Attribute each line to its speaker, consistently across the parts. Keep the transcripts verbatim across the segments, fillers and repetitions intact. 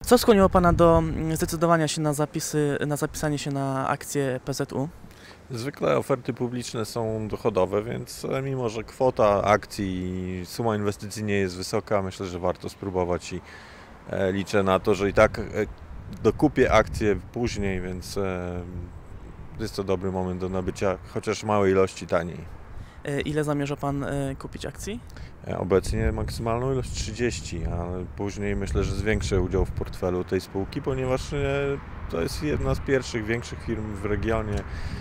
Speaker 1: Co skłoniło Pana do zdecydowania się na zapisy, na zapisanie się na akcję P Z U?
Speaker 2: Zwykle oferty publiczne są dochodowe, więc mimo że kwota akcji i suma inwestycji nie jest wysoka, myślę, że warto spróbować i liczę na to, że i tak dokupię akcje później, więc jest to dobry moment do nabycia chociaż małej ilości taniej.
Speaker 1: Ile zamierza Pan kupić akcji?
Speaker 2: Obecnie maksymalną ilość trzydzieści, ale później myślę, że zwiększę udział w portfelu tej spółki, ponieważ to jest jedna z pierwszych większych firm w regionie.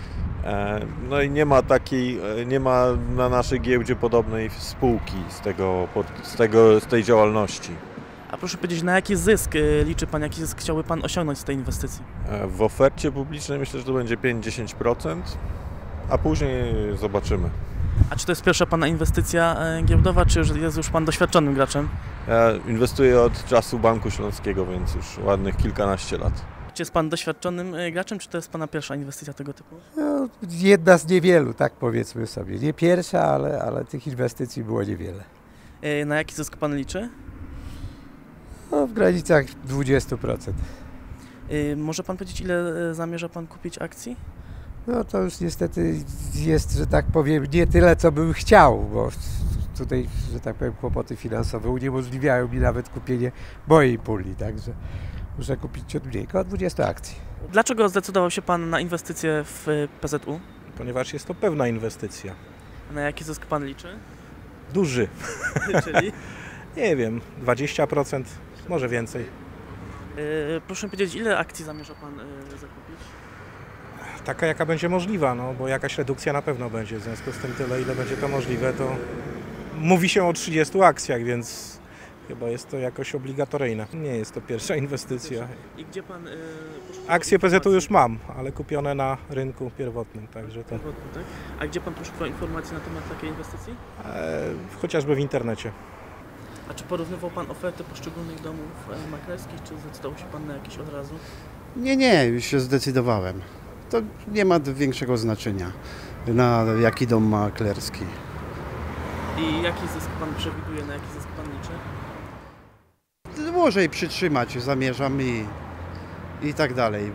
Speaker 2: No i nie ma takiej, nie ma na naszej giełdzie podobnej spółki z, tego, z, tego, z tej działalności.
Speaker 1: A proszę powiedzieć, na jaki zysk liczy Pan, jaki zysk chciałby Pan osiągnąć z tej inwestycji?
Speaker 2: W ofercie publicznej myślę, że to będzie pięć do dziesięciu procent, a później zobaczymy.
Speaker 1: A czy to jest pierwsza Pana inwestycja giełdowa, czy już jest już Pan doświadczonym graczem?
Speaker 2: Ja inwestuję od czasu Banku Śląskiego, więc już ładnych kilkanaście lat.
Speaker 1: Czy jest Pan doświadczonym graczem, czy to jest Pana pierwsza inwestycja tego typu?
Speaker 3: No, jedna z niewielu, tak powiedzmy sobie. Nie pierwsza, ale, ale tych inwestycji było niewiele.
Speaker 1: Na jaki zysk Pan liczy?
Speaker 3: No, w granicach dwudziestu procent.
Speaker 1: Może Pan powiedzieć, ile zamierza Pan kupić akcji?
Speaker 3: No to już niestety jest, że tak powiem, nie tyle, co bym chciał, bo tutaj, że tak powiem, kłopoty finansowe uniemożliwiają mi nawet kupienie mojej puli, także muszę kupić ciut mniej, około dwudziestu akcji.
Speaker 1: Dlaczego zdecydował się Pan na inwestycję w P Z U?
Speaker 4: Ponieważ jest to pewna inwestycja.
Speaker 1: A na jaki zysk Pan liczy?
Speaker 4: Duży.
Speaker 1: Czyli?
Speaker 4: Nie wiem, dwadzieścia procent, może więcej.
Speaker 1: Yy, proszę powiedzieć, ile akcji zamierza Pan yy, zakupić?
Speaker 4: Taka, jaka będzie możliwa, no bo jakaś redukcja na pewno będzie. W związku z tym tyle, ile będzie to możliwe, to mówi się o trzydziestu akcjach, więc chyba jest to jakoś obligatoryjne. Nie jest to pierwsza inwestycja.
Speaker 1: I gdzie Pan... Yy,
Speaker 4: Akcje P Z U już mam, ale kupione na rynku pierwotnym, także to...
Speaker 1: Pierwotnym, tak? A gdzie Pan poszukiwał informacji na temat takiej inwestycji?
Speaker 4: E, chociażby w internecie.
Speaker 1: A czy porównywał Pan oferty poszczególnych domów maklerskich, czy zdecydował się Pan na jakieś od razu?
Speaker 5: Nie, nie, już się zdecydowałem. To nie ma większego znaczenia, na jaki dom maklerski.
Speaker 1: I jaki zysk Pan przewiduje, na jaki zysk Pan liczy?
Speaker 5: Dłużej przytrzymać zamierzam i, i tak dalej.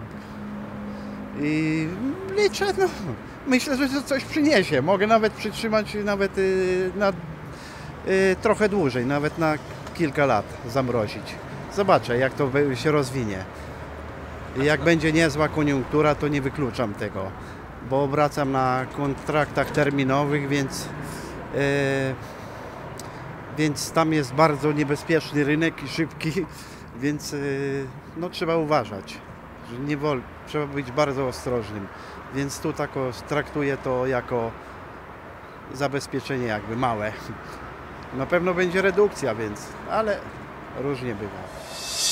Speaker 5: I liczę, no, myślę, że to coś przyniesie. Mogę nawet przytrzymać nawet y, na y, trochę dłużej, nawet na kilka lat zamrozić. Zobaczę, jak to się rozwinie. Jak będzie niezła koniunktura, to nie wykluczam tego, bo obracam na kontraktach terminowych, więc, yy, więc tam jest bardzo niebezpieczny rynek i szybki, więc yy, no, trzeba uważać, że nie wol, trzeba być bardzo ostrożnym, więc tu tak traktuję to jako zabezpieczenie jakby małe. Na pewno będzie redukcja, więc, ale różnie bywa.